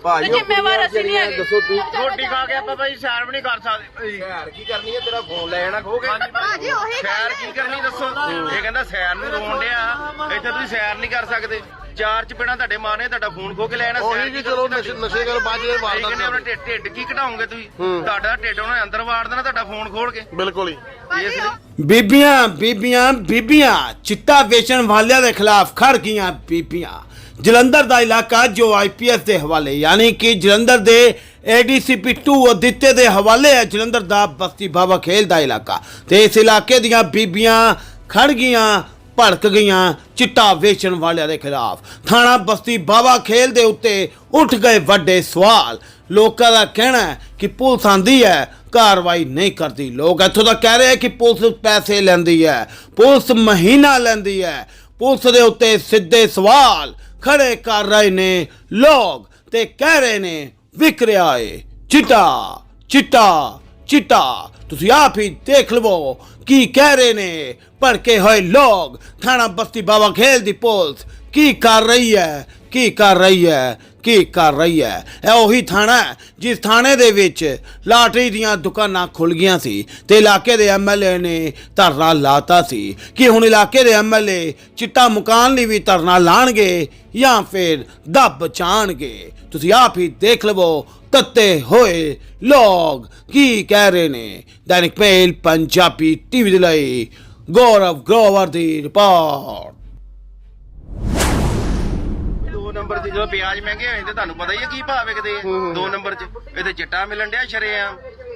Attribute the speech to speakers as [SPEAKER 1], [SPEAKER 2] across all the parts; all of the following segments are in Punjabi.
[SPEAKER 1] ਜ਼ਿੰਮੇਵਾਰ ਅਸੀਂ ਨਹੀਂ ਹੈਗੇ।
[SPEAKER 2] ਦੱਸੋ ਤੂੰ
[SPEAKER 3] ਰੋਟੀ ਖਾ ਕੇ ਆਪਾਂ ਭਾਈ ਸੈਰ ਵੀ ਨਹੀਂ ਕਰ ਸਕਦੇ।
[SPEAKER 2] ਸੈਰ ਕੀ ਕਰਨੀ ਹੈ? ਤੇਰਾ ਫੋਨ ਲੈ ਜਾਣਾ ਖੋ ਕੇ।
[SPEAKER 1] ਭਾਜੀ ਉਹੀ
[SPEAKER 3] ਸੈਰ ਕੀ ਕਰਨੀ ਦੱਸੋ? ਇਹ ਕਹਿੰਦਾ ਸੈਰ ਨੂੰ ਰੋਣ ਡਿਆ, ਇੱਥੇ ਤੁਸੀਂ ਸੈਰ ਨਹੀਂ ਕਰ ਸਕਦੇ। ਚਾਰ ਚਪੇੜਾਂ ਤੁਹਾਡੇ ਮਾਂ ਨੇ ਤੁਹਾਡਾ ਫੋਨ ਖੋ ਕੇ ਲੈ ਜਾਣਾ।
[SPEAKER 2] ਉਹੀ ਜੀ ਚਲੋ ਨਸ਼ੇ ਕਰ ਬਾਅਦ ਜਿਹੜੇ
[SPEAKER 3] ਕਹਿੰਦੇ
[SPEAKER 2] ਵਾਰਦਾ
[SPEAKER 3] ਆਪਣਾ ਢਿੱਡ ਕੀ ਘਟਾਓਗੇ ਤੁਸੀਂ? ਤੁਹਾਡਾ ਢਿੱਡ ਉਹਨੇ ਅੰਦਰ ਵਾੜ ਦੇਣਾ ਤੁਹਾਡਾ ਫੋਨ ਖੋਲ ਕੇ।
[SPEAKER 2] ਬਿਲਕੁਲ ਹੀ।
[SPEAKER 3] ਇਸ ਲਈ
[SPEAKER 4] ਬੀਬੀਆਂ ਬੀਬੀਆਂ ਬੀਬੀਆਂ ਚਿੱਟਾ ਵੇਚਣ ਵਾਲਿਆਂ ਦੇ ਖਿਲਾਫ ਖੜ ਗਈਆਂ ਬੀਬੀਆਂ। ਜਲੰਧਰ ਦਾ ਇਲਾਕਾ ਜੋ ਆਈਪੀਐਸ ਦੇ ਹਵਾਲੇ ਯਾਨੀ ਕਿ ਜਲੰਧਰ ਦੇ ADCP 2 ਅਦਿੱਤੇ ਦੇ ਹਵਾਲੇ ਹੈ। ਜਲੰਧਰ ਦਾ ਬਸਤੀ ਬਾਬਾ ਖੇਲ ਦਾ ਇਲਾਕਾ ਤੇ ਇਸ ਇਲਾਕੇ ਦੀਆਂ ਬੀਬੀਆਂ ਖੜ ਗਈਆਂ, ਭੜਕ ਗਈਆਂ ਚਿੱਟਾ ਵੇਚਣ ਵਾਲਿਆਂ ਦੇ ਖਿਲਾਫ। ਥਾਣਾ ਬਸਤੀ ਬਾਬਾ ਖੇਲ ਦੇ ਉੱਤੇ ਉੱਠ ਗਏ ਵੱਡੇ ਸਵਾਲ। ਲੋਕਾਂ ਦਾ ਕਹਿਣਾ ਹੈ ਕਿ ਪੁਲਿਸ ਆਂਦੀ ਹੈ, ਕਾਰਵਾਈ ਨਹੀਂ ਕਰਦੀ। ਲੋਕ ਇੱਥੋਂ ਤੱਕ ਕਹਿ ਰਹੇ ਕਿ ਪੁਲਿਸ ਪੈਸੇ ਲੈਂਦੀ ਹੈ, ਪੁਲਿਸ ਮਹੀਨਾ ਲੈਂਦੀ ਹੈ। ਪੁਲਿਸ ਦੇ ਉੱਤੇ ਸਿੱਧੇ ਸਵਾਲ ਖੜੇ ਕਰ ਰਹੇ ਨੇ ਲੋਕ ਤੇ ਕਹਿ ਰਹੇ ਨੇ ਵਿਕ ਰਿਹਾ ਏ ਚਿੱਟਾ ਚਿੱਟਾ ਚਿੱਟਾ। ਤੁਸੀਂ ਆਪ ਹੀ ਦੇਖ ਲਵੋ ਕੀ ਕਹਿ ਰਹੇ ਨੇ ਭੜਕੇ ਹੋਏ ਲੋਕ। ਥਾਣਾ ਬਸਤੀ ਬਾਬਾ ਖੇਲ ਦੀ ਪੁਲਿਸ ਕੀ ਕਰ ਰਹੀ ਹੈ, ਕੀ ਕਰ ਰਹੀ ਹੈ, ਕੀ ਕਰ ਰਹੀ ਹੈ? ਇਹ ਉਹੀ ਥਾਣਾ ਹੈ ਜਿਸ ਥਾਣੇ ਦੇ ਵਿੱਚ ਲਾਟਰੀ ਦੀਆਂ ਦੁਕਾਨਾਂ ਖੁੱਲ ਗਈਆਂ ਸੀ ਤੇ ਇਲਾਕੇ ਦੇ MLA ਨੇ ਧਰਨਾ ਲਾਤਾ ਸੀ ਕਿ ਹੁਣ ਇਲਾਕੇ ਦੇ MLA ਚਿੱਟਾ ਮੁਕਾਨ ਲਈ ਵੀ ਧਰਨਾ ਲਾਣਗੇ ਜਾਂ ਫਿਰ ਦੱਬ ਚਾਣਗੇ। ਤੁਸੀਂ ਆਪ ਹੀ ਦੇਖ ਲਵੋ ਤੱਤੇ ਹੋਏ ਲੋਕ ਕੀ ਕਹਿ ਰਹੇ ਨੇ। ਦੈਨਿਕ ਮੇਲ ਪੰਜਾਬੀ TV ਦੇ ਲਈ ਗੌਰਵ ਗਰੋਵਰ ਦੀ ਰਿਪੋਰਟ।
[SPEAKER 3] 2 ਨੰਬਰ 'ਚ ਜਦੋਂ ਪਿਆਜ਼ ਮਹਿੰਗੇ ਹੋਏ ਤੇ ਤੁਹਾਨੂੰ ਪਤਾ ਹੀ ਹੈ ਕੀ ਭਾਅ ਵਿਕਦੇ ਆ। 2 ਨੰਬਰ 'ਚ ਇਹਦੇ ਚਿੱਟਾ ਮਿਲਣ ਡਿਆ ਸ਼ਰੇਆਮ।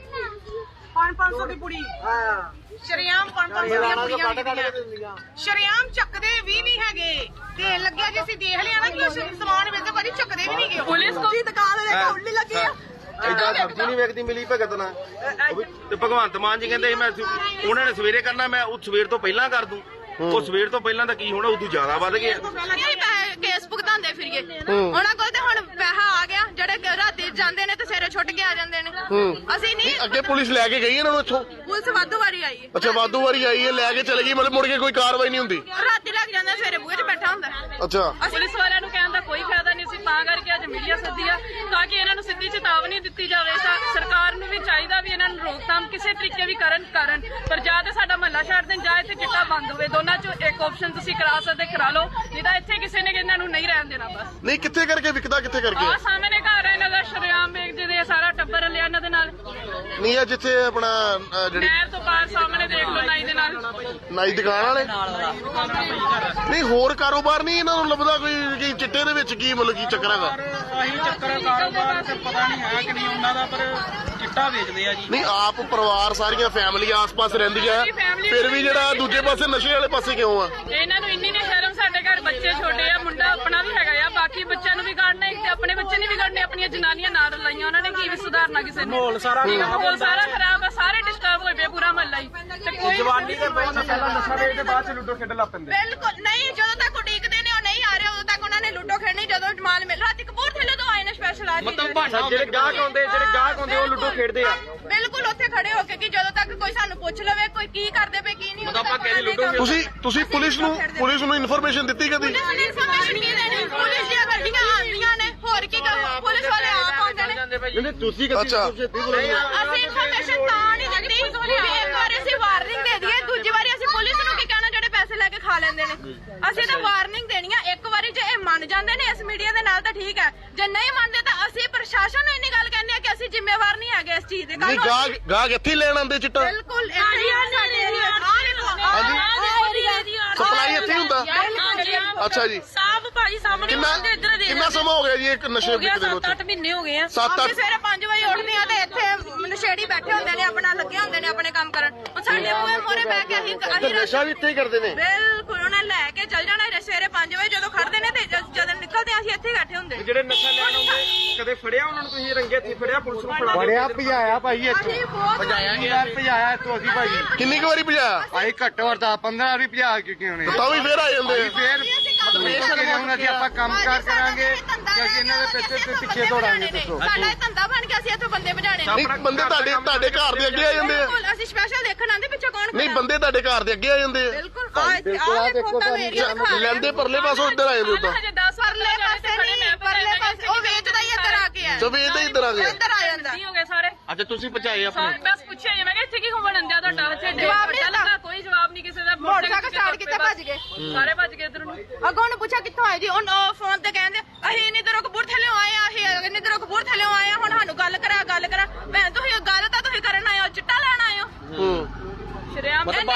[SPEAKER 1] 500 ਦੀ ਪੁੜੀ ਸ਼ਰੀਆਮ 500 ਦੀਆਂ ਪੁੜੀਆਂ ਵਿਕਦੀਆਂ। ਸ਼ਰੀਆਮ ਚੱਕਦੇ ਵੀ ਨਹੀਂ ਹੈਗੇ ਤੇ ਲੱਗਿਆ ਜੇ ਅਸੀਂ ਦੇਖ ਲਿਆ ਨਾ ਕਿ ਸਮਾਨ ਵੇਚਦੇ ਪਰ ਚੱਕਦੇ ਵੀ ਨਹੀਂ ਗਏ। ਪੁਲਿਸ ਕੋਲ ਦੁਕਾਨ ਦੇ ਉੱਲੀ ਲੱਗੀ ਆ।
[SPEAKER 3] ਏਦਾਂ ਸਬਜ਼ੀ ਨਹੀਂ ਵੇਚਦੀ ਮਿਲੀ ਭਗਤ ਨਾਲ। ਤੇ ਭਗਵੰਤ ਮਾਨ ਜੀ ਕਹਿੰਦੇ ਮੈਂ ਉਹਨਾਂ ਨੇ ਸਵੇਰੇ ਕਰਨਾ, ਮੈਂ ਉਹ ਸਵੇਰ ਤੋਂ ਪਹਿਲਾਂ ਕਰ ਦੂੰ। ਉਹ ਸਵੇਰ ਤੋਂ ਪਹਿਲਾਂ ਦਾ ਕੀ ਹੋਣਾ, ਉਦੋਂ ਜ਼ਿਆਦਾ ਵੱਧ ਗਿਆ।
[SPEAKER 1] ਕੇਸ ਭੁਗਤਾਉਂਦੇ ਫਿਰੀਏ ਉਹਨਾਂ ਕੋਲ ਤੇ ਹੁਣ ਪੈਸਾ ਆ ਗਿਆ। ਜਿਹੜੇ ਰਾਤੀ ਜਾਂਦੇ ਨੇ ਤੇ ਸਵੇਰੇ ਛੁੱਟ ਕੇ ਆ ਜਾਂਦੇ ਨੇ। ਅਸੀਂ ਨਹੀਂ
[SPEAKER 2] ਅੱਗੇ ਪੁਲਿਸ ਲੈ ਕੇ ਗਈ ਇਹਨਾਂ ਨੂੰ ਇੱਥੋਂ?
[SPEAKER 1] ਪੁਲਿਸ ਵਾਧੂ ਵਾਰੀ ਆਈ ਹੈ।
[SPEAKER 2] ਅੱਛਾ ਵਾਧੂ ਵਾਰੀ ਆਈ ਹੈ, ਲੈ ਕੇ ਚਲੇ ਗਈ, ਮਤਲਬ ਮੁੜ ਕੇ ਕੋਈ ਕਾਰਵਾਈ ਨਹੀਂ ਹੁੰਦੀ?
[SPEAKER 1] ਰਾਤੀ ਲੱਗ ਜਾਂਦਾ, ਸਵੇਰੇ ਬੂਹੇ 'ਚ ਬੈਠਾ ਹੁੰਦਾ।
[SPEAKER 2] ਅੱਛਾ
[SPEAKER 5] ਪੁਲਿਸ ਵਾਲਿਆਂ ਨੂੰ ਕਹਿਣ ਦਾ ਕੋਈ ਫਾਇਦਾ ਨਹੀਂ ਸੀ, ਤਾਂ ਕਰਕੇ ਅੱਜ ਮੀਡੀਆ ਸੱਦੀ ਆ ਤਾਂ ਕਿ ਇਹਨਾਂ ਨੂੰ ਸਿੱਧੀ ਚੇਤਾਵਨੀ ਦਿੱਤੀ ਜਾਵੇ। ਤਾਂ ਸਰਕਾਰ ਨੂੰ ਵੀ ਚਾਹੀਦਾ ਵੀ ਇਹਨਾਂ ਨੂੰ ਰੋਕਥਾਮ ਕਿਸੇ ਤਰੀਕੇ ਵੀ ਕਰਨ ਪਰ ਜਾਂ ਤੇ ਸਾਡਾ ਮਹੱਲਾ ਛੱਡ ਦੇਣ ਜਾਂ ਇੱਥੇ ਚਿੱਟਾ ਬੰਦ ਹੋਵੇ। ਦੋਨਾਂ ਚੋਂ ਇੱਕ ਆਪਸ਼ਨ ਤੁਸੀਂ ਕਰਾ ਸਕਦੇ ਕਰਾ ਲਓ, ਨਹੀਂ ਤਾਂ ਇੱਥੇ ਕਿਸੇ ਨੇ ਇਹਨਾਂ ਨੂੰ ਨਹੀਂ ਰਹਿਣ ਦੇਣਾ। ਬਸ
[SPEAKER 2] ਨਹੀਂ ਕਿੱਥੇ ਕਰਕੇ ਵਿਕਦਾ, ਕਿੱਥੇ ਕਰਕੇ?
[SPEAKER 5] ਆਹ ਸਾਹਮਣੇ ਘਰ ਹੈ ਇਹਨਾਂ ਦਾ, ਸ਼ਰੇਆਮ ਵੇਚਦੇ ਦੇ ਸਾਰਾ ਟੱਬਰ ਲਿਆ ਇਹਨਾਂ ਦੇ ਨਾਲ।
[SPEAKER 2] ਨਹੀਂ ਆ ਜਿੱਥੇ ਆਪਣਾ ਜਿਹੜੀ
[SPEAKER 5] ਨਹਿਰ ਤੋਂ ਪਾਰ ਸਾਹਮਣੇ ਦੇਖ ਲਓ ਨਾਈ ਦੇ ਨਾਲ
[SPEAKER 2] ਨਾਈ ਦੁਕਾਨ ਵਾਲੇ। ਨਹੀਂ ਹੋਰ ਕਾਰੋਬਾਰ ਨਹੀਂ ਇਹਨਾਂ ਨੂੰ ਲੱਭਦਾ ਕੋਈ ਕਿ ਚਿੱਟੇ ਦੇ ਵਿੱਚ ਕੀ ਮਤਲਬ ਕੀ ਚੱਕਰ ਹੈਗਾ?
[SPEAKER 6] ਆਹੀ ਚੱਕਰ ਕਾਰੋਬਾਰ ਤੇ ਪਤਾ ਨਹੀਂ ਹੈ ਕਿ ਨਹੀਂ ਉਹਨਾਂ ਦਾ, ਪਰ ਚਿੱਟਾ ਵੇਚਦੇ ਆ ਜੀ।
[SPEAKER 2] ਨਹੀਂ ਆਪ ਪਰਿਵਾਰ ਸਾਰੀਆਂ ਫੈਮਿਲੀ ਆਸ-ਪਾਸ ਰਹਿੰਦੀਆਂ, ਫਿਰ ਵੀ ਜਿਹੜਾ ਦੂਜੇ ਪਾਸੇ ਨਸ਼ੇ ਵਾਲੇ ਪਾਸੇ ਕਿਉਂ ਆ?
[SPEAKER 5] ਇਹਨਾਂ ਨੂੰ ਇੰਨੀ ਨਹੀਂ ਸ਼ਰਮ। ਸਾਡੇ ਘਰ ਬੱਚੇ ਛੋਟੇ ਆ, ਮੁੰਡਾ ਆਪਣਾ ਵੀ ਹੈਗਾ ਆ, ਬਾਕੀ ਬੱਚਿਆਂ ਨੂੰ ਵਿਗਾੜਨਾ ਤੇ ਆਪਣੇ ਬੱਚੇ ਨਹੀਂ ਵਿਗਾੜਨੇ। ਆਪਣੀਆਂ ਜਨਾਨੀਆਂ ਨਾਲ ਲਾਈਆਂ, ਉਹਨਾਂ ਨੇ ਕੀ ਵੀ ਸੁਧਾਰਨਾ ਕਿਸੇ ਨੇ? ਮਾਹੌਲ ਸਾਰਾ ਖਰਾਬ ਆ, ਸਾਰੇ ਡਿਸਟਰਬ ਹੋਏ ਪਏ, ਪੂਰਾ ਮਹੱਲਾ ਹੀ। ਤੇ ਕੋਈ
[SPEAKER 6] ਜਵਾਨੀ ਦੇ ਪਹਿਲਾਂ ਨਸ਼ਾ ਵੇਚਦੇ, ਬਾਅਦ ਚ ਲੁੱਡੋ ਖੇਡਣ ਲੱਗ ਪੈਂਦੇ।
[SPEAKER 1] ਬਿਲਕੁਲ ਨਹੀਂ, ਜਦੋਂ ਤੱਕ ਉਡੀਕਦੇ ਨੇ ਉਹ ਨਹੀਂ ਆ ਰਹੇ ਉਦੋਂ ਤੱਕ ਉਹਨਾਂ ਨੇ ਲੁੱਡੋ ਖੇਡਣੀ। ਜਦੋਂ ਮਾਲ ਮਿਲ ਰਾਤੀ ਕਪੂਰਥਲੇ ਤੋਂ ਆਏ ਨੇ ਸਪੈਸ਼ਲ ਆ
[SPEAKER 6] ਜਿਹੜੇ ਗਾਹਕ ਆਉਂਦੇ ਉਹ ਲੁੱਡੋ ਖੇਡਦੇ ਆ।
[SPEAKER 1] ਬਿਲਕੁਲ ਉੱਥੇ ਖੜੇ ਹੋ ਕੇ ਕਿ ਜਦੋਂ ਤੱਕ ਕੋਈ ਸਾਨੂੰ ਪੁੱਛ ਲਵੇ ਕੋਈ ਕੀ ਕਰਦੇ ਪਏ ਕੀ ਨਹੀਂ, ਉਦੋਂ ਤੱਕ
[SPEAKER 2] ਤੁਸੀਂ ਪੁਲਿਸ ਨੂੰ ਇਨਫੋਰਮੇਸ਼ਨ ਦਿੱਤੀ ਕਦੀ?
[SPEAKER 1] ਇਨਫੋਰਮੇਸ਼ਨ ਕੀ ਦੇਣੀ? ਪੁਲਿਸ ਦੀਆਂ ਗੱਡੀਆਂ ਆਉਂਦੀਆਂ ਨੇ, ਹੋਰ ਕੀ ਕਰੋ? ਪੁਲਿਸ ਵਾਲੇ ਆਪ ਆਉਂਦੇ ਨੇ।
[SPEAKER 2] ਤੁਸੀਂ ਅੱਛਾ
[SPEAKER 1] ਅਸੀਂ ਇਨਫੋਰਮੇਸ਼ਨ ਤਾਂ ਨਹੀਂ ਦਿੱਤੀ ਵੀ ਇੱਕ ਵਾਰ ਅਸੀਂ ਵਾਰਨਿੰਗ ਦੇ ਦਈਏ, ਦੂਜੀ ਵਾਰੀ ਅਸੀਂ ਪੁਲਿਸ ਨੂੰ ਕੀ ਕਹਿਣਾ ਜਿਹੜੇ ਪੈਸੇ ਲੈ ਕੇ ਖਾ ਲੈਂਦੇ ਨੇ। ਅਸੀਂ ਤਾਂ ਵਾਰਨਿੰਗ ਦੇਣੀ ਆ ਇੱਕ ਵਾਰੀ। ਜੇ ਇਹ ਮੰਨ ਜਾਂਦੇ ਨੇ ਇਸ ਮੀਡੀਆ ਦੇ ਨਾਲ ਤਾਂ ਠੀਕ ਹੈ, ਜੇ ਨਹੀਂ ਮੰਨਦੇ ਤਾਂ ਅਸੀਂ ਪ੍ਰਸ਼ਾਸਨ ਨੂੰ ਇੰਨੀ ਗੱਲ ਕਹਿੰਦੇ ਆ ਕਿ ਅਸੀਂ ਜ਼ਿੰਮੇਵਾਰ ਨਹੀਂ ਹੈਗੇ ਇਸ ਚੀਜ਼ ਦੇ।
[SPEAKER 2] ਨਹੀਂ ਗਾਹਕ ਇੱਥੇ ਲੈਣ ਆਉਂਦੇ ਚਿੱਟਾ?
[SPEAKER 1] ਬਿਲਕੁਲ ਸਾਡੇ ਏਰੀਆ
[SPEAKER 2] ਸਪਲਾਈ ਇੱਥੇ ਹੁੰਦਾ? ਅੱਛਾ ਜੀ।
[SPEAKER 5] ਸਾਫ ਭਾਜੀ ਸਾਹਮਣੇ
[SPEAKER 2] ਕਿੰਨਾ ਸਮਾਂ ਹੋ ਗਿਆ ਜੀ ਇੱਕ ਨਸ਼ੇ ਵਿਕਦੇ ਨੂੰ?
[SPEAKER 5] 7-8 ਮਹੀਨੇ ਹੋ ਗਏ ਆ।
[SPEAKER 2] 7-8
[SPEAKER 1] ਸਵੇਰੇ 5 ਵਜੇ ਉੱਠਦੇ ਆ ਤੇ ਇੱਥੇ ਨਸ਼ੇੜੀ ਬੈਠੇ ਹੁੰਦੇ ਨੇ, ਆਪਣਾ ਲੱਗੇ ਹੁੰਦੇ ਨੇ ਆਪਣੇ ਕੰਮ ਕਰਨ। ਸਾਡੇ ਮੂਹਰੇ ਮੋਰੇ ਬਹਿ ਕੇ ਅਸੀਂ
[SPEAKER 2] ਨਸ਼ਾ ਵੀ ਇੱਥੇ ਹੀ ਕਰਦੇ ਨੇ?
[SPEAKER 1] ਬਿਲਕੁਲ ਉਹਨਾਂ ਲੈ ਕੇ ਚੱਲ ਜਾਣਾ ਸਵੇਰੇ 5 ਵਜੇ ਜਦੋਂ ਖੜਦੇ ਨੇ ਤੇ ਜਦੋਂ ਨਿਕਲਦੇ ਆ ਅਸੀਂ ਇੱਥੇ ਹੀ ਬੈਠੇ ਹੁੰਦੇ।
[SPEAKER 6] ਜਿਹੜੇ ਨਸ਼ਾ ਲੈਣ ਆਉਂਦੇ ਕਦੇ ਫੜਿਆ ਉਹਨਾਂ ਨੂੰ? ਤੁਸੀਂ ਰੰਗੇ ਹੱਥੀਂ ਫੜਿਆ? ਪੁਲਿਸ ਨੂੰ ਫੜਾ
[SPEAKER 7] ਭਜਾਇਆ ਭਾਈ ਇੱਥੋਂ, ਭਜਾਇਆ ਇੱਥੋਂ ਅਸੀਂ ਭਾਈ।
[SPEAKER 2] ਕਿੰਨੀ ਕੁ ਵਾਰੀ ਭਜਾਇਆ?
[SPEAKER 7] ਭਾਈ ਘੱਟੋ ਘੱਟ 15 ਵਾਰੀ ਭਜਾ ਚੁੱਕੇ ਹੋਣੇ।
[SPEAKER 2] ਤਾਂ ਵੀ ਫੇਰ ਆ ਜਾਂਦੇ ਆ।
[SPEAKER 7] ਫੇਰ ਹੁਣ ਅਸੀਂ ਆਪਾਂ ਕੰਮ ਕਾਰ ਕਰਾਂਗੇ ਕਿ ਅਸੀਂ ਇਹਨਾਂ ਦੇ ਪਿੱਛੇ ਦੌੜਾਂਗੇ? ਦੱਸੋ
[SPEAKER 1] ਸਾਡਾ ਇਹ ਧੰਦਾ ਬਣ ਗਿਆ, ਅਸੀਂ ਇੱਥੋਂ ਬੰਦੇ ਭਜਾਣੇ।
[SPEAKER 2] ਨਹੀਂ ਬੰਦੇ ਤੁਹਾਡੇ ਘਰ ਦੇ ਅੱਗੇ ਆ ਜਾਂਦੇ ਆ?
[SPEAKER 1] ਬਿਲਕੁਲ ਅਸੀਂ ਸਪੈਸ਼ਲ ਦੇਖਣ ਆਂਦੇ ਪਿੱਛੇ ਕੌਣ ਖੜਾ।
[SPEAKER 2] ਨਹੀਂ ਬੰਦੇ ਤੁਹਾਡੇ ਘਰ ਦੇ ਅੱਗੇ ਆ ਜਾਂਦੇ ਆ?
[SPEAKER 1] ਬਿਲਕੁਲ ਆ ਦੇਖੋ ਤਾਂ ਮੇਰੀ ਦਿਖਾ
[SPEAKER 2] ਲੈਂਦੇ ਪਰਲੇ ਪਾਸੋਂ ਇੱਧਰ ਆਏ ਨੇ ਉਦਾਂ?
[SPEAKER 5] ਹਜੇ 10
[SPEAKER 1] ਪਰਲੇ ਪਾਸੇ ਨਹੀਂ, ਪਰਲੇ ਪਾਸੇ ਉਹ ਵੇਚਦਾ ਹੀ ਆ ਕਰਾ ਕੇ।
[SPEAKER 2] ਤੇ ਵੇਚਦੇ ਇੱਧਰ ਆ ਗਏ।
[SPEAKER 1] ਇੱਧਰ ਆ ਜਾਂਦਾ।
[SPEAKER 5] ਹੋ ਗਏ ਸਾਰੇ।
[SPEAKER 3] ਅੱਛਾ ਤੁਸੀਂ ਪਹੁੰਚਾਏ ਆਪਣੇ?
[SPEAKER 5] ਸਾਰੇ ਬਸ ਪੁੱਛਿਆ ਜੀ, ਮੈਂ ਕਿਹਾ ਇੱਥੇ ਕੀ ਘੁੰਮਣ ਆਂਦੇ ਆ ਤੁਹਾਡਾ ਇੱਥੇ
[SPEAKER 1] ਜਵਾਬ ਨਹੀਂ ਦਿੱਤਾ।
[SPEAKER 5] ਕੋਈ ਜਵਾਬ ਨਹੀਂ ਕਿਸੇ ਦਾ।
[SPEAKER 1] ਮੋਟਰਸਾਈਕਲ ਸਟਾਰਟ ਕੀਤਾ ਭੱਜ ਗਏ।
[SPEAKER 5] ਸਾਰੇ ਭੱਜ ਗਏ ਇੱਧਰ ਨੂੰ।
[SPEAKER 1] ਅੱਗੋਂ ਉਹਨੂੰ ਪੁੱਛਿਆ ਕਿੱਥੋਂ ਆਏ ਜੀ, ਉਹ ਫੋਨ ਤੇ ਕਹਿੰਦੇ ਅਸੀਂ ਇੰਨੀ ਦੂਰੋਂ ਕਪੂਰਥਲੇ ਆਏ ਆ, ਅਸੀਂ ਇੰਨੀ ਦੂਰੋਂ ਕਪੂਰਥਲੇ ਆਏ ਆ, ਹੁਣ ਸਾਨੂੰ ਗੱਲ ਕਰਾ ਮੈਂ ਤੁਸੀਂ ਗੱਲ ਤਾਂ ਤੁਸੀਂ ਕਰਨ ਆਏ ਹੋ, ਚਿੱਟਾ ਲੈਣ ਆਏ ਹੋ।
[SPEAKER 5] ਸ਼ਰਿਆਮ
[SPEAKER 1] ਰਾਤੀ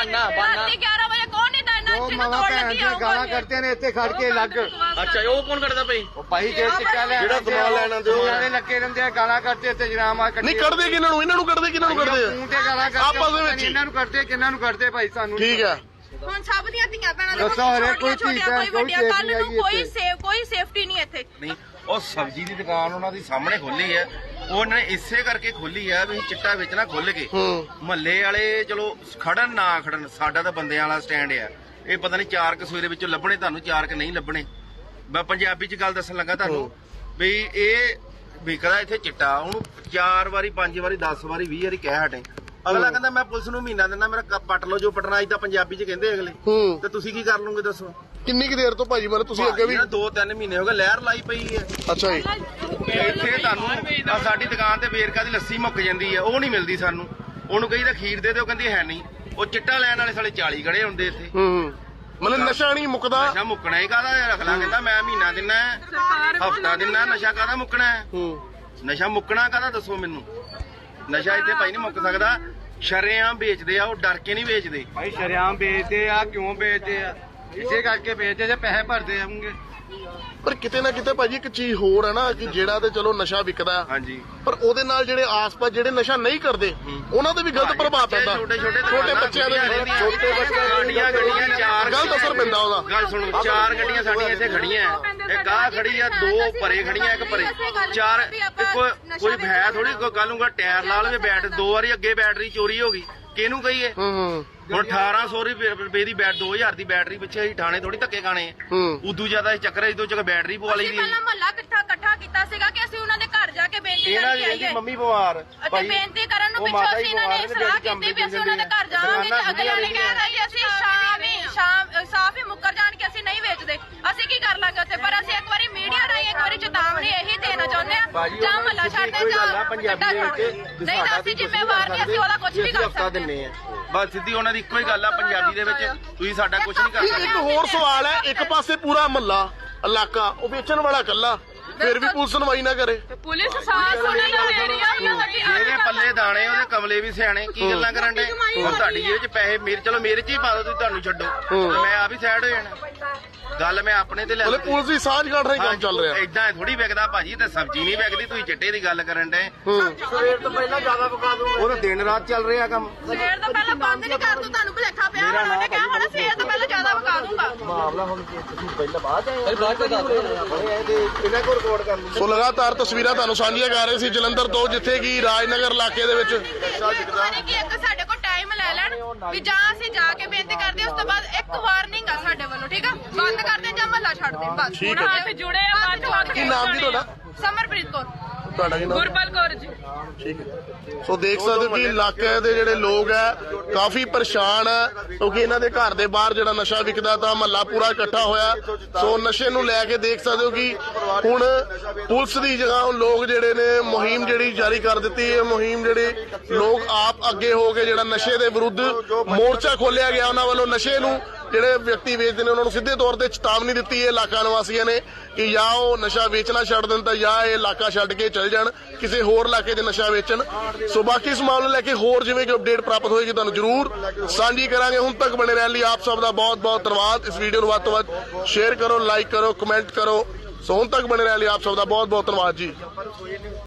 [SPEAKER 1] 11 ਵਜੇ ਕੌਣ ਨਹੀਂ ਦਾ
[SPEAKER 7] ਉਹ ਮਾਵਾ ਭੈਣ ਦੀਆਂ ਗਾਲਾਂ ਕੱਢਦੇ ਨੇ ਇੱਥੇ ਖੜ ਕੇ ਲੱਗ।
[SPEAKER 3] ਅੱਛਾ ਉਹ ਕੌਣ ਕਰਦਾ ਪਈ?
[SPEAKER 7] ਉਹ ਭਾਈ ਜੇ ਟਿੱਕਾ ਲੈ
[SPEAKER 2] ਜਿਹੜਾ ਸਮਾਨ ਲੈਣ ਆਉਂਦੇ ਉਹ
[SPEAKER 7] ਨਾਲੇ ਲੱਗੇ ਰਹਿੰਦੇ ਆ, ਗਾਲਾਂ ਕੱਢਦੇ ਤੇ ਜਨਾਮਾ
[SPEAKER 2] ਨਹੀਂ ਕੱਢਦੇ ਕਿਹਨਾਂ ਨੂੰ? ਇਹਨਾਂ ਨੂੰ ਕੱਢਦੇ ਕਿਹਨਾਂ ਨੂੰ ਕੱਢਦੇ
[SPEAKER 7] ਮੂੰਹ ਤੇ ਗਾਲਾਂ ਕੱਢਦੇ
[SPEAKER 2] ਆਪਸ ਦੇ ਵਿੱਚ ਹੀ।
[SPEAKER 7] ਇਹਨਾਂ ਨੂੰ ਕੱਢਦੇ ਕਿਹਨਾਂ ਨੂੰ ਕੱਢਦੇ ਭਾਈ ਸਾਨੂੰ
[SPEAKER 2] ਠੀਕ ਹੈ।
[SPEAKER 1] ਹੁਣ ਸਭ ਦੀਆਂ ਧੀਆਂ ਭੈਣਾਂ ਦੇ
[SPEAKER 7] ਦੱਸੋ ਹਰੇ ਕੋਈ ਚੀਜ਼ ਹੈ,
[SPEAKER 1] ਕੋਈ ਵੱਡੀਆਂ,
[SPEAKER 7] ਕੋਈ
[SPEAKER 1] ਕੱਲ ਨੂੰ
[SPEAKER 7] ਸੇਫਟੀ
[SPEAKER 1] ਕੋਈ ਸੇਫਟੀ ਨਹੀਂ ਇੱਥੇ।
[SPEAKER 3] ਨਹੀਂ ਉਹ ਸਬਜ਼ੀ ਦੀ ਦੁਕਾਨ ਉਹਨਾਂ ਦੀ ਸਾਹਮਣੇ ਖੋਲੀ ਹੈ, ਉਹਨਾਂ ਨੇ ਇਸੇ ਕਰਕੇ ਖੋਲੀ ਹੈ ਵੀ ਚਿੱਟਾ ਵੇਚਣਾ ਖੁੱਲ ਕੇ। ਮਹੱਲੇ ਵਾਲੇ ਚਲੋ ਖੜਨ ਨਾ ਖੜਨ, ਸਾਡਾ ਤਾਂ ਬੰਦਿਆਂ ਵਾਲਾ ਸਟੈਂਡ ਆ। ਇਹ ਪਤਾ ਨਹੀਂ 4 ਕਸੂਏ ਦੇ ਵਿੱਚੋਂ ਲੱਭਣੇ ਤੁਹਾਨੂੰ, 4 ਨਹੀਂ ਲੱਭਣੇ। ਮੈਂ ਪੰਜਾਬੀ ਚ ਗੱਲ ਦੱਸਣ ਲੱਗਾ ਤੁਹਾਨੂੰ ਵੀ ਇਹ ਵਿਕਦਾ ਇੱਥੇ ਚਿੱਟਾ। ਉਹਨੂੰ 4 ਵਾਰੀ 5 ਵਾਰੀ 10 ਵਾਰੀ 20 ਵਾਰੀ ਕਹਿ ਹਟੇ। ਅਗਲਾ ਕਹਿੰਦਾ ਮੈਂ ਪੁਲਿਸ ਨੂੰ ਮਹੀਨਾ ਦਿੰਦਾ, ਮੇਰਾ ਪੱਟ ਲਓ ਜੋ ਪਟਣਾ। ਅੱਜ ਤਾਂ ਪੰਜਾਬੀ ਚ ਕਹਿੰਦੇ ਅਗਲੇ। ਤੇ ਤੁਸੀਂ ਕੀ ਕਰ ਲਓਗੇ ਦੱਸੋ?
[SPEAKER 2] ਕਿੰਨੀ ਕੁ ਦੇਰ ਤੋਂ ਭਾਜੀ ਮਤਲਬ ਤੁਸੀਂ ਅੱਗੇ ਵੀ
[SPEAKER 3] 2-3 ਮਹੀਨੇ ਹੋ ਗਏ ਲਹਿਰ ਲਾਈ ਪਈ ਹੈ।
[SPEAKER 2] ਅੱਛਾ ਜੀ।
[SPEAKER 3] ਇੱਥੇ ਤੁਹਾਨੂੰ ਆਹ ਸਾਡੀ ਦੁਕਾਨ ਤੇ ਵੇਰਕਾ ਦੀ ਲੱਸੀ ਮੁੱਕ ਜਾਂਦੀ ਹੈ, ਉਹ ਨਹੀਂ ਮਿਲਦੀ ਸਾਨੂੰ। ਉਹਨੂੰ ਕਹੀਦਾ ਖੀਰ ਦੇ ਦਿਓ, ਕਹਿੰਦੀ ਹੈ ਨਹੀਂ। ਉਹ ਚਿੱਟਾ ਲੈਣ ਵਾਲੇ ਸਾਲੇ 40 ਖੜੇ ਹੁੰਦੇ ਇੱਥੇ।
[SPEAKER 2] ਮਤਲਬ ਨਸ਼ਾ ਨਹੀਂ ਮੁੱਕਦਾ।
[SPEAKER 3] ਨਸ਼ਾ ਮੁੱਕਣਾ ਹੀ ਕਾਹਦਾ? ਅਗਲਾ ਕਹਿੰਦਾ ਮੈਂ ਮਹੀਨਾ ਦਿੰਨਾ, ਹਫਤਾ ਦਿੰਨਾ, ਨਸ਼ਾ ਕਾਹਦਾ ਮੁੱਕਣਾ ਹੈ? ਨਸ਼ਾ ਮੁੱਕਣਾ ਕਾਹਦਾ ਦੱਸੋ ਮੈਨੂੰ? ਨਸ਼ਾ ਇੱਥੇ ਭਾਈ ਨਹੀਂ ਮੁੱਕ ਸਕਦਾ। ਸ਼ਰੇਆਮ ਵੇਚਦੇ ਆ, ਉਹ ਡਰ ਕੇ ਨਹੀਂ ਵੇਚਦੇ।
[SPEAKER 7] ਭਾਈ ਸ਼ਰਿਆਮ ਵੇਚਦੇ ਆ, ਕਿਉਂ ਵੇਚਦੇ ਆ? ਇਸੇ ਕਰਕੇ ਵੇਚਦੇ ਜੇ ਪੈਸੇ ਭਰਦੇ ਆਉਂਗੇ।
[SPEAKER 2] ਪਰ ਕਿਤੇ ਨਾ ਕਿਤੇ ਭਾਜੀ ਇੱਕ ਚੀਜ਼ ਹੋਰ ਹੈ ਨਾ ਕਿ ਜਿਹੜਾ ਤੇ ਚਲੋ ਨਸ਼ਾ ਵਿਕਦਾ
[SPEAKER 3] ਹਾਂਜੀ,
[SPEAKER 2] ਪਰ ਉਹਦੇ ਨਾਲ ਜਿਹੜੇ ਆਸ-ਪਾਸ ਜਿਹੜੇ ਨਸ਼ਾ ਨਹੀਂ ਕਰਦੇ ਉਹਨਾਂ ਤੇ ਵੀ ਗਲਤ ਪ੍ਰਭਾਵ ਪੈਂਦਾ। ਛੋਟੇ ਬੱਚਿਆਂ ਦੇ ਵੀ
[SPEAKER 3] ਛੋਟੇ ਗੱਡੀਆਂ 4
[SPEAKER 2] ਗਲਤ ਅਸਰ ਪੈਂਦਾ ਉਹਦਾ।
[SPEAKER 3] ਗੱਲ ਸੁਣੋ, 4 ਗੱਡੀਆਂ ਸਾਡੀਆਂ ਇੱਥੇ ਖੜੀਆਂ, ਇੱਕ ਆਹ ਖੜੀ ਆ, 2 ਪਰੇ ਖੜੀਆਂ, ਇੱਕ ਪਰੇ 4। ਕੋਈ ਹੈ ਥੋੜੀ ਕੱਲ ਨੂੰ ਟਾਇਰ ਲਾ ਲਵੇ ਬੈਟ, 2 ਵਾਰੀ ਅੱਗੇ ਬੈਟਰੀ ਚੋਰੀ ਹੋ ਗਈ, ਕਿਹਨੂੰ ਕਹੀਏ? ਹੁਣ 1800 ਰੁਪਏ ਦੀ 2000 ਦੀ ਬੈਟਰੀ ਪਿੱਛੇ ਅਸੀਂ ਠਾਣੇ ਥੋੜੀ ਧੱਕੇ ਖਾਣੇ। ਉਦੋਂ ਜ਼ਿਆਦਾ ਇਸ ਚੱਕਰ ਇਦੋਂ ਚੱਕ ਬੈਟਰੀ ਪਵਾ ਲਈ ਦੀ।
[SPEAKER 1] ਪਹਿਲਾਂ ਮਹੱਲਾ ਇਕੱਠਾ ਕੀਤਾ ਸੀਗਾ ਕਿ ਅਸੀਂ ਉਹਨਾਂ ਦੇ ਘਰ ਜਾ ਕੇ ਬੇਨਤੀ
[SPEAKER 3] ਇਹਨਾਂ
[SPEAKER 1] ਕਰਕੇ
[SPEAKER 3] ਦੀ
[SPEAKER 1] ਆਈਏ।
[SPEAKER 3] ਮੰਮੀ ਬਿਮਾਰ
[SPEAKER 1] ਅਤੇ ਬੇਨਤੀ ਕਰਨ ਨੂੰ ਪਿੱਛੋਂ ਅਸੀਂ ਇਹਨਾਂ ਨੇ ਸਲਾਹ ਕੀਤੀ ਵੀ ਅਸੀਂ ਉਹਨਾਂ ਦੇ ਘਰ ਜਾਵਾਂਗੇ ਤੇ ਅਗਲਿਆਂ ਨੇ ਕਹਿਤਾ ਕਿ ਅਸੀਂ ਸਾਫ਼ ਹੀ ਮੁੱਕਰ ਜਾਣ ਕੇ ਅਸੀਂ ਨਹੀਂ ਵੇਚਦੇ। ਅਸੀਂ ਕੀ ਕਰ ਲਾਂਗੇ ਉੱਥੇ? ਪਰ ਅਸੀਂ ਇੱਕ ਵਾਰੀ ਮੀਡੀਆ ਰਾਹੀਂ ਇੱਕ ਵਾਰੀ ਚੇਤਾਵਨੀ ਇਹੀ ਦੇਣਾ ਚਾਹੁੰਦੇ ਆ, ਜਾਂ ਮਹੱਲਾ ਛੱਡਦੇ ਜਾਂ
[SPEAKER 3] ਪੰਜਾਬੀ ਦੇ ਵਿੱਚ
[SPEAKER 1] ਨਹੀਂ ਤਾਂ ਅਸੀਂ ਜ਼ਿੰਮੇਵਾਰ ਨਹੀਂ, ਅਸੀਂ ਉਹਦਾ ਕੁਝ ਵੀ ਕਰ ਸਕਦੇ।
[SPEAKER 3] ਦਿੰਨੇ ਆ ਬਸ ਸਿੱਧੀ ਉਹਨਾਂ ਦੀ ਇੱਕੋ ਹੀ ਗੱਲ ਆ ਪੰਜਾਬੀ ਦੇ ਵਿੱਚ, ਤੁਸੀਂ ਸਾਡਾ ਕੁਝ ਨਹੀਂ ਕਰ ਸਕਦੇ।
[SPEAKER 2] ਇੱਕ ਹੋਰ ਸਵਾਲ ਹੈ, ਇੱਕ ਪਾਸੇ ਪੂਰਾ ਮਹੱਲਾ ਇਲਾਕਾ ਉਹ ਵੇਚਣ ਵਾਲਾ ਇਕੱਲਾ, ਫਿਰ ਵੀ ਪੁਲਿਸ ਸੁਣਵਾਈ ਨਾ ਕਰੇ।
[SPEAKER 5] ਪੁਲਿਸ ਸਾਥ ਸੁਣੀ ਨਾ ਦੇ ਰਹੀ ਆ।
[SPEAKER 3] ਇਹਦੇ ਪੱਲੇ ਦਾਣੇ, ਉਹਦੇ ਕਮਲੇ ਵੀ ਸਿਆਣੇ, ਕੀ ਗੱਲਾਂ ਕਰਨ ਦੇ? ਹੁਣ ਤੁਹਾਡੀ ਜੇਬ 'ਚ ਪੈਸੇ ਮੇਰੇ, ਚਲੋ ਮੇਰੇ 'ਚ ਹੀ ਪਾ ਦਿਓ, ਤੁਸੀਂ ਤੁਹਾਨੂੰ ਛੱਡੋ, ਮੈਂ ਆਪ ਹੀ ਸਾਈਡ ਹੋ ਜਾਣਾ। ਗੱਲ ਮੈਂ ਆਪਣੇ ਤੇ ਲੈ
[SPEAKER 2] ਮਤਲਬ ਪੁਲਿਸ ਦੀ ਸਾਂਝ ਗਾਠ ਰਹੀ ਕੰਮ ਚੱਲ ਰਿਹਾ।
[SPEAKER 3] ਏਦਾਂ ਥੋੜੀ ਵਿਕਦਾ ਭਾਜੀ, ਤੇ ਸਬਜ਼ੀ ਨਹੀਂ ਵਿਕਦੀ। ਤੁਸੀਂ ਚਿੱਟੇ ਦੀ ਗੱਲ ਕਰਨ ਦੇ।
[SPEAKER 7] ਸਵੇਰ ਤੋਂ ਪਹਿਲਾਂ ਜ਼ਿਆਦਾ ਪਕਾ ਦੂੰਗਾ।
[SPEAKER 3] ਉਹ ਤਾਂ ਦਿਨ ਰਾਤ ਚੱਲ ਰਿਹਾ ਕੰਮ।
[SPEAKER 1] ਸਵੇਰ ਤੋਂ ਪਹਿਲਾਂ ਬੰਦ ਨਹੀਂ ਕਰ ਦੂੰ, ਤੁਹਾਨੂੰ ਭੁਲੇਖਾ ਪਿਆ ਹੋਣਾ। ਉਹਨੇ ਕਿਹਾ ਹੋਣਾ ਸਵੇਰ ਤੋਂ ਪਹਿਲਾਂ ਜ਼ਿਆਦਾ ਵਕਾ ਦੂੰਗਾ।
[SPEAKER 3] ਮਾਮਲਾ ਹੁਣ ਤੁਸੀਂ ਪਹਿਲਾਂ ਬਾਅਦ ਆਏ ਇਹਨਾਂ ਕੋਲ ਰਿਕਾਰਡ ਕਰ ਲਓ।
[SPEAKER 2] ਸੋ ਲਗਾਤਾਰ ਤਸਵੀਰਾਂ ਤੁਹਾਨੂੰ ਸਾਂਝੀਆਂ ਕਰ ਰਹੇ ਸੀ ਜਲੰਧਰ ਤੋਂ, ਜਿੱਥੇ ਕਿ ਰਾਜਨਗਰ ਇਲਾਕੇ ਦੇ ਵਿੱਚ
[SPEAKER 1] ਕਿ ਇੱਕ ਸਾਡੇ ਕੋਲ ਟਾਈਮ ਲੈ ਲੈਣ ਵੀ ਜਾਂ ਅਸੀਂ ਜਾ ਕੇ ਬੇਨਤੀ ਕਰਦੇ ਉਸ ਤੋਂ ਬਾਅਦ ਇੱਕ ਵਾਰਨਿੰਗ ਆ ਸਾਡੇ ਵੱਲੋਂ, ਠੀਕ ਆ? ਬੰਦ ਕਰਦੇ ਜਾਂ ਮਹੱਲਾ ਛੱਡ ਦੇ ਬਸ।
[SPEAKER 2] ਠੀਕ ਹੈ।
[SPEAKER 5] ਹੱਥ ਜੁੜੇ ਆ, ਬਾਅਦ ਚੋਂ ਹੱਥ
[SPEAKER 2] ਕੀ ਨਾਮ ਜੀ ਤੁਹਾਡਾ?
[SPEAKER 1] ਸਮਰਪ੍ਰੀਤ ਕੌਰ।
[SPEAKER 2] ਤੁਹਾਡਾ ਕੀ ਨਾਮ?
[SPEAKER 5] ਗੁਰਪਾਲ ਕੌਰ ਜੀ।
[SPEAKER 2] ਠੀਕ ਹੈ। ਸੋ ਦੇਖ ਸਕਦੇ ਹੋ ਕਿ ਇਲਾਕੇ ਦੇ ਜਿਹੜੇ ਲੋਕ ਹੈ ਕਾਫੀ ਪਰੇਸ਼ਾਨ ਹੈ, ਕਿਉਂਕਿ ਇਹਨਾਂ ਦੇ ਘਰ ਦੇ ਬਾਹਰ ਜਿਹੜਾ ਨਸ਼ਾ ਵਿਕਦਾ ਤਾਂ ਮਹੱਲਾ ਪੂਰਾ ਇਕੱਠਾ ਹੋਇਆ। ਸੋ ਨਸ਼ੇ ਨੂੰ ਲੈ ਕੇ ਦੇਖ ਸਕਦੇ ਹੋ ਕਿ ਹੁਣ ਪੁਲਿਸ ਦੀ ਜਗ੍ਹਾ ਹੁਣ ਲੋਕ ਜਿਹੜੇ ਨੇ ਮੁਹਿੰਮ ਜਿਹੜੀ ਜਾਰੀ ਕਰ ਦਿੱਤੀ ਹੈ। ਮੁਹਿੰਮ ਜਿਹੜੇ ਲੋਕ ਆਪ ਅੱਗੇ ਹੋ ਕੇ ਜਿਹੜਾ ਨਸ਼ੇ ਦੇ ਵਿਰੁੱਧ ਮੋਰਚਾ ਖੋਲਿਆ ਗਿਆ, ਉਹਨਾਂ ਵੱਲੋਂ ਨਸ਼ੇ ਨੂੰ ਜਿਹੜੇ ਵਿਅਕਤੀ ਵੇਚਦੇ ਨੇ ਉਹਨਾਂ ਨੂੰ ਸਿੱਧੇ ਤੌਰ ਤੇ ਚੇਤਾਵਨੀ ਦਿੱਤੀ ਹੈ ਇਲਾਕਾ ਨਿਵਾਸੀਆਂ ਨੇ ਕਿ ਜਾਂ ਉਹ ਨਸ਼ਾ ਵੇਚਣਾ ਛੱਡ ਦੇਣ ਤਾਂ ਜਾਂ ਇਹ ਇਲਾਕਾ ਛੱਡ ਕੇ ਚਲ ਜਾਣ, ਕਿਸੇ ਹੋਰ ਇਲਾਕੇ 'ਚ ਨਸ਼ਾ ਵੇਚਣ। ਸੋ ਬਾਕੀ ਇਸ ਮਾਮਲੇ ਲੈ ਕੇ ਹੋਰ ਜਿਵੇਂ ਕਿ ਅਪਡੇਟ ਪ੍ਰਾਪਤ ਹੋਏਗੀ ਤੁਹਾਨੂੰ ਜ਼ਰੂਰ ਸਾਂਝੀ ਕਰਾਂਗੇ। ਹੁਣ ਤੱਕ ਬਣੇ ਰਹਿਣ ਲਈ ਆਪ ਸਭ ਦਾ ਬਹੁਤ ਬਹੁਤ ਧੰਨਵਾਦ। ਇਸ ਵੀਡੀਓ ਨੂੰ ਵੱਧ ਤੋਂ ਵੱਧ ਸ਼ੇਅਰ ਕਰੋ, ਲਾਈਕ ਕਰੋ, ਕਮੈਂਟ ਕਰੋ। ਸੋ ਹੁਣ ਤੱਕ ਬਣੇ ਰਹਿਣ ਲਈ ਆਪ ਸਭ ਦਾ ਬਹੁਤ ਬਹੁਤ ਧੰਨਵਾਦ ਜੀ।